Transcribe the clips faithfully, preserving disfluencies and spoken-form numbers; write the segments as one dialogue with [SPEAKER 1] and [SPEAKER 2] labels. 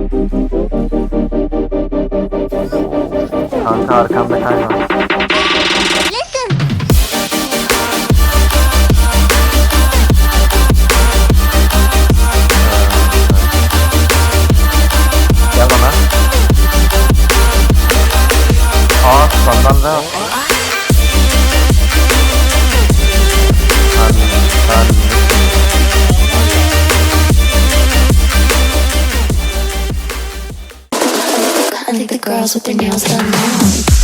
[SPEAKER 1] Kanka arkamda kayma. Gel bana. Aa sandan da. Ben, ben.
[SPEAKER 2] I think the girls with their nails done now.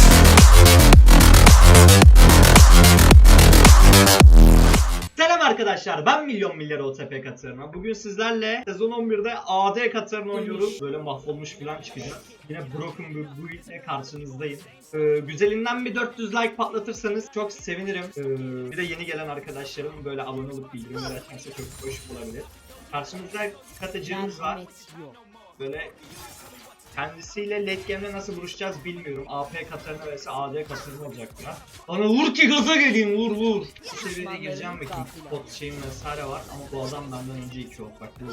[SPEAKER 3] Selam arkadaşlar, ben Milyon Milyar O T P Katarina. Bugün sizlerle sezon on birde A D Katarina oynuyoruz. Böyle mahvolmuş falan çıkacak. Yine broken bir build ile karşınızdayım. Ee, güzelinden bir dört yüz like patlatırsanız çok sevinirim. Ee, bir de yeni gelen arkadaşlarım böyle abone olup bildirimler açarsa çok hoş olabilir. Karşımızda katıcımız var. Böyle kendisiyle late game'de nasıl vuruşacağız bilmiyorum. A P Katarina vs A D Katarina olacak ya. Bana vur ki gaza geleyim, vur vur. Bu seviyede gireceğim bakayım. Pot şeyim vesaire var ama bu adam benden önce iki ok bak. Bu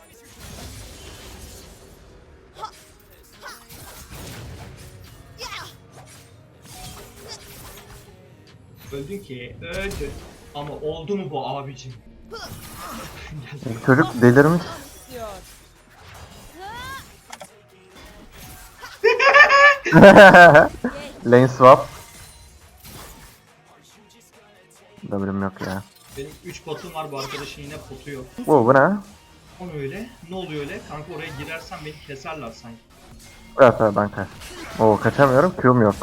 [SPEAKER 3] öldün ki, öldün. Ama oldu mu bu abicim?
[SPEAKER 1] Çocuk delirmiş. Lane swap. W'm yok ya.
[SPEAKER 3] Benim üç potum var, bu arkadaşın yine potu yok.
[SPEAKER 1] Bu bu ne?
[SPEAKER 3] O öyle? Ne oluyor öyle? Kanka oraya girersen beni keserler sanki.
[SPEAKER 1] Evet evet ben kaç. Oo kaçamıyorum. Q'm yok.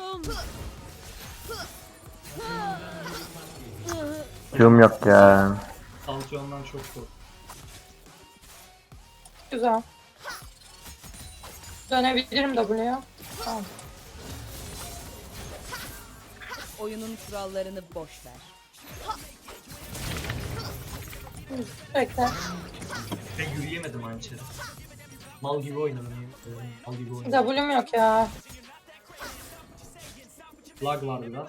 [SPEAKER 1] Q'm yok ya.
[SPEAKER 3] Tansiyondan çok kork.
[SPEAKER 4] Güzel. Dönebilirim W'ye. Tamam.
[SPEAKER 5] Oyunun kurallarını boş ver.
[SPEAKER 4] Bekle.
[SPEAKER 3] Ben yürüyemedim hançeri. Mal gibi oynadım. Mal gibi oynadım.
[SPEAKER 4] W'm yok ya.
[SPEAKER 3] Lag var biraz.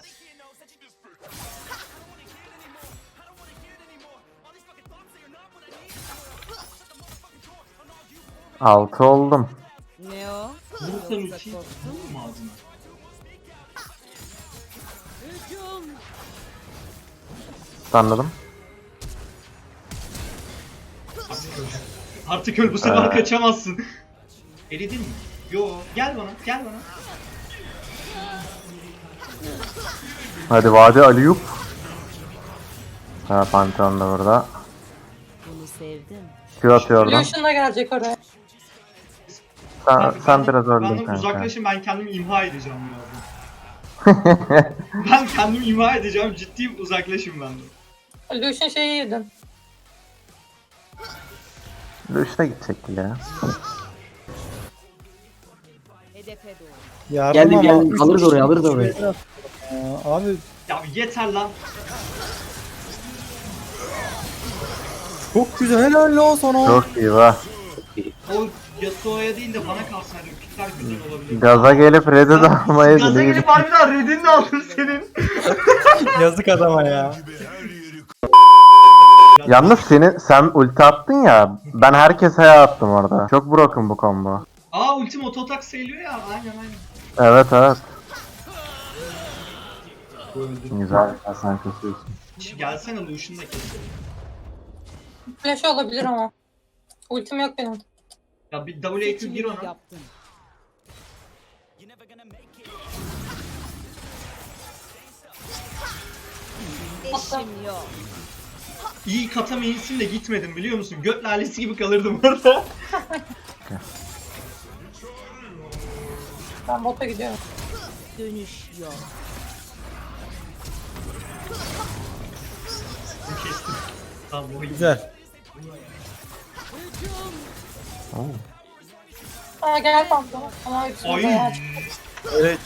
[SPEAKER 1] Altı oldum.
[SPEAKER 5] Ne o?
[SPEAKER 3] Vurursan
[SPEAKER 5] Yoksa
[SPEAKER 3] ultiyi
[SPEAKER 5] korktun
[SPEAKER 3] vurur mu ağzına?
[SPEAKER 5] Hücum!
[SPEAKER 1] Anladım.
[SPEAKER 3] Artık öl, bu sefer kaçamazsın. Eridin mi? Yo, gel bana, gel bana.
[SPEAKER 1] Hadi Vadi Aliyup. Ha Pantheon da burada.
[SPEAKER 5] Bunu sevdim.
[SPEAKER 1] Q atıyor oradan.
[SPEAKER 4] Lucian da gelecek oraya.
[SPEAKER 1] Sen,
[SPEAKER 3] Kanka,
[SPEAKER 1] sen
[SPEAKER 3] ben-
[SPEAKER 1] biraz öldün
[SPEAKER 3] benden
[SPEAKER 1] kanka.
[SPEAKER 3] uzaklaşın, ben kendimi imha edeceğim birazdan. Ben kendimi imha edeceğim, ciddiyim, uzaklaşın benden.
[SPEAKER 4] Lucian şeyi yedin.
[SPEAKER 1] Üçte gidecek ya.
[SPEAKER 5] Hedefe doğru.
[SPEAKER 6] Yardım
[SPEAKER 7] Geldim,
[SPEAKER 6] ama
[SPEAKER 7] geldim.
[SPEAKER 6] üç
[SPEAKER 7] Alırız
[SPEAKER 6] kişi
[SPEAKER 7] oraya, alırız
[SPEAKER 6] şuraya
[SPEAKER 7] oraya.
[SPEAKER 6] biraz- Aa, abi
[SPEAKER 3] Ya yeter lan.
[SPEAKER 6] çok güzel, helal lan sana.
[SPEAKER 1] Çok iyi va.
[SPEAKER 3] O Yasuo'ya değil de bana kalsaydı pikler güzel olabilir.
[SPEAKER 1] Gaza gelip red'i de almaya
[SPEAKER 3] Gaza
[SPEAKER 1] gidiyor.
[SPEAKER 3] gelip harbiden redini de aldın senin.
[SPEAKER 6] Yazık adama ya.
[SPEAKER 1] Yalnız senin sen ulti attın ya. Ben herkese attım orada. Çok broken bu combo.
[SPEAKER 3] Aa ultim auto attack sayılıyor ya, aynen aynen.
[SPEAKER 1] Evet evet.
[SPEAKER 3] Öldüm.
[SPEAKER 1] Güzel. Sen kesiyorsun.
[SPEAKER 3] Gelsene Lucian'da kesin.
[SPEAKER 4] Flash olabilir ama. Ultim yok benim.
[SPEAKER 3] Ya bir W Q gir ona.
[SPEAKER 5] Yaptın. İşim yok.
[SPEAKER 3] İyi kata mainsin de gitmedim biliyor musun? Göt lalesi gibi kalırdım orada.
[SPEAKER 4] Ben bota gidiyorum.
[SPEAKER 5] Dönüş yok.
[SPEAKER 3] Kestim. Tamam bu iyi.
[SPEAKER 6] Güzel.
[SPEAKER 4] Aa gel pantolon. Ama üçünü
[SPEAKER 3] Ay.
[SPEAKER 4] de ya.
[SPEAKER 6] Evet.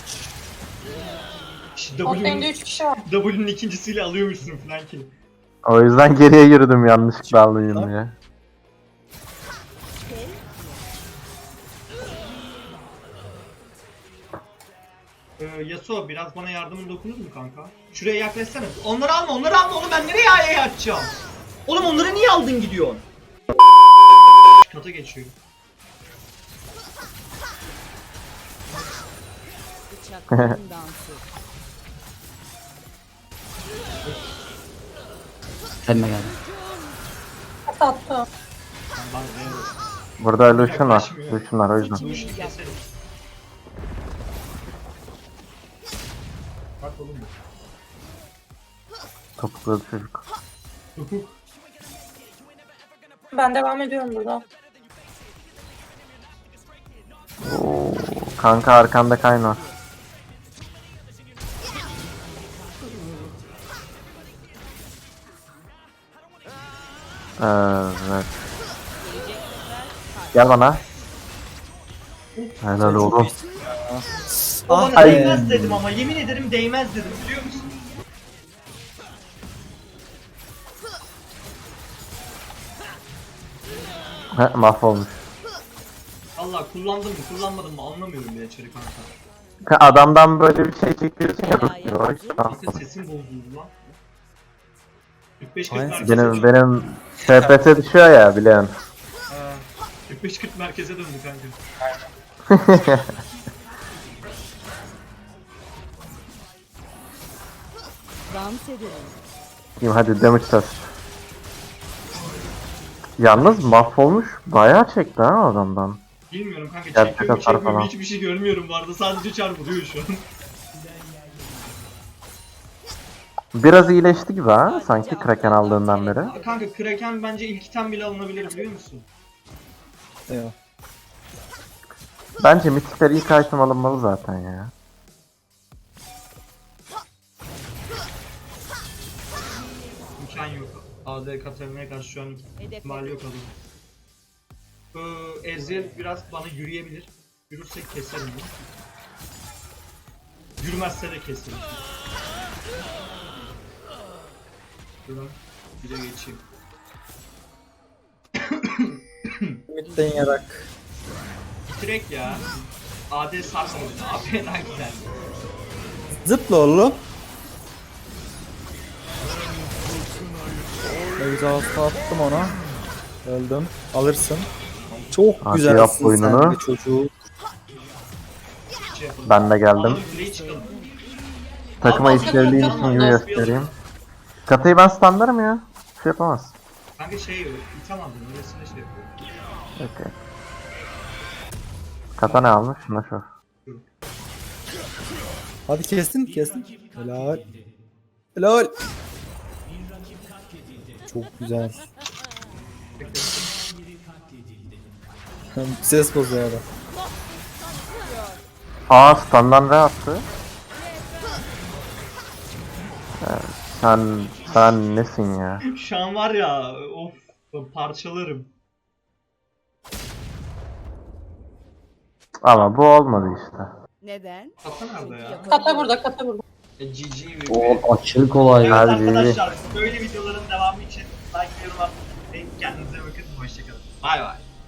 [SPEAKER 4] Bot lane'de
[SPEAKER 3] W'nin
[SPEAKER 4] üç kişi var.
[SPEAKER 3] W'nin ikincisiyle alıyormuşsun falan ki.
[SPEAKER 1] O yüzden geriye yürüdüm yanlışlıkla alayım diye.
[SPEAKER 3] Ee, Yasuo biraz bana yardımın dokunur mu kanka? Şuraya yaklaşsana. Onları alma, onları alma oğlum, ben nereye A'ya atacağım? Oğlum onları niye aldın gidiyorsun? Kata geçiyor.
[SPEAKER 5] Alçakların dansı.
[SPEAKER 7] Kendine geldi.
[SPEAKER 4] Sattı.
[SPEAKER 3] Ben bana ne
[SPEAKER 1] Burada Lucian var. Lucian var o yüzden.
[SPEAKER 3] Bu işi keselim. Bak oğlum
[SPEAKER 1] Topuklu çocuk.
[SPEAKER 3] bu.
[SPEAKER 4] Ben devam ediyorum burada.
[SPEAKER 1] Oo, kanka arkanda kaynar. Evet. Gel bana. Helal oğlum.
[SPEAKER 3] O bana
[SPEAKER 6] Ah be.
[SPEAKER 3] değmez dedim ama yemin ederim değmez dedim biliyor musun?
[SPEAKER 1] He, mahvolmuş.
[SPEAKER 3] Allah kullandım mı kullanmadım mı anlamıyorum bile içeri kanka.
[SPEAKER 1] Ka- Adamdan böyle bir şey çekiyorsun ya. Dur,
[SPEAKER 3] Sesin sesin bozuldu lan. kırk beş kırk
[SPEAKER 6] Aynen.
[SPEAKER 3] merkeze
[SPEAKER 1] benim
[SPEAKER 3] döndü.
[SPEAKER 1] benim F P S düşüyor ya biliyorsun.
[SPEAKER 3] Ha, kırk beş kırk merkeze döndü kanka.
[SPEAKER 5] Dans edelim.
[SPEAKER 1] Diyeyim hadi damage test. Yalnız mahvolmuş bayağı çekti ha adamdan.
[SPEAKER 3] Bilmiyorum kanka
[SPEAKER 1] Gerçek
[SPEAKER 3] çekiyor mu
[SPEAKER 1] hasar
[SPEAKER 3] çekmiyor mu
[SPEAKER 1] falan.
[SPEAKER 3] hiçbir şey görmüyorum bu arada sadece çar vuruyor şu an.
[SPEAKER 1] Biraz iyileşti gibi ha sanki Kraken aldığından beri.
[SPEAKER 3] Kanka Kraken bence ilk item bile alınabilir biliyor musun?
[SPEAKER 6] Eyvah.
[SPEAKER 1] Bence mitikler ilk item alınmalı zaten ya.
[SPEAKER 3] İmkan yok. A D Katarina'ya karşı şu an ihtimali yok adamın. Ee, Ezreal biraz bana yürüyebilir. Yürürsek keserim bunu. Yürümezse de keserim. Şuradan bir de geçeyim.
[SPEAKER 6] Midden yarak.
[SPEAKER 3] Bitirek ya. A D sarmadı. A P daha güzel.
[SPEAKER 6] Zıpla oğlum. Exhaust'u attım ona. Öldüm. Alırsın. Çok
[SPEAKER 1] Hadi
[SPEAKER 6] güzelsin
[SPEAKER 1] yap
[SPEAKER 6] sen
[SPEAKER 1] oyununu.
[SPEAKER 6] de çocuğu.
[SPEAKER 3] Şey yapalım.
[SPEAKER 1] Ben de geldim.
[SPEAKER 3] Alalım, kuleyi çıkalım.
[SPEAKER 1] Takıma
[SPEAKER 3] Aa,
[SPEAKER 1] işlevliğin
[SPEAKER 3] tamam,
[SPEAKER 1] için
[SPEAKER 3] tamam,
[SPEAKER 1] gibi
[SPEAKER 3] nasıl
[SPEAKER 1] göstereyim. Katayı ben standarım ya. Bir şey yapamaz.
[SPEAKER 3] Kanka şey yok. İtem aldım. Öylesine şey yapıyorum.
[SPEAKER 1] Okay. Kata ne almış? Şuna şu.
[SPEAKER 6] Hadi kestin kestin. Helal. Helal. Çok güzel. Ses bozuyor adam.
[SPEAKER 1] Aa standdan ne attı? Evet, sen sen nesin ya?
[SPEAKER 3] Şu an var ya of parçalarım.
[SPEAKER 1] Ama bu olmadı işte.
[SPEAKER 5] Neden?
[SPEAKER 3] Kata nerede ya?
[SPEAKER 4] Kata burada, kata burada.
[SPEAKER 3] E, G G ve
[SPEAKER 7] O aşırı kolay
[SPEAKER 3] Evet
[SPEAKER 7] ya.
[SPEAKER 1] Hadi.
[SPEAKER 3] arkadaşlar böyle videoların devamı için like ve yorum atmayı unutmayın. Kendinize bakın. Hoşçakalın. Bay bay.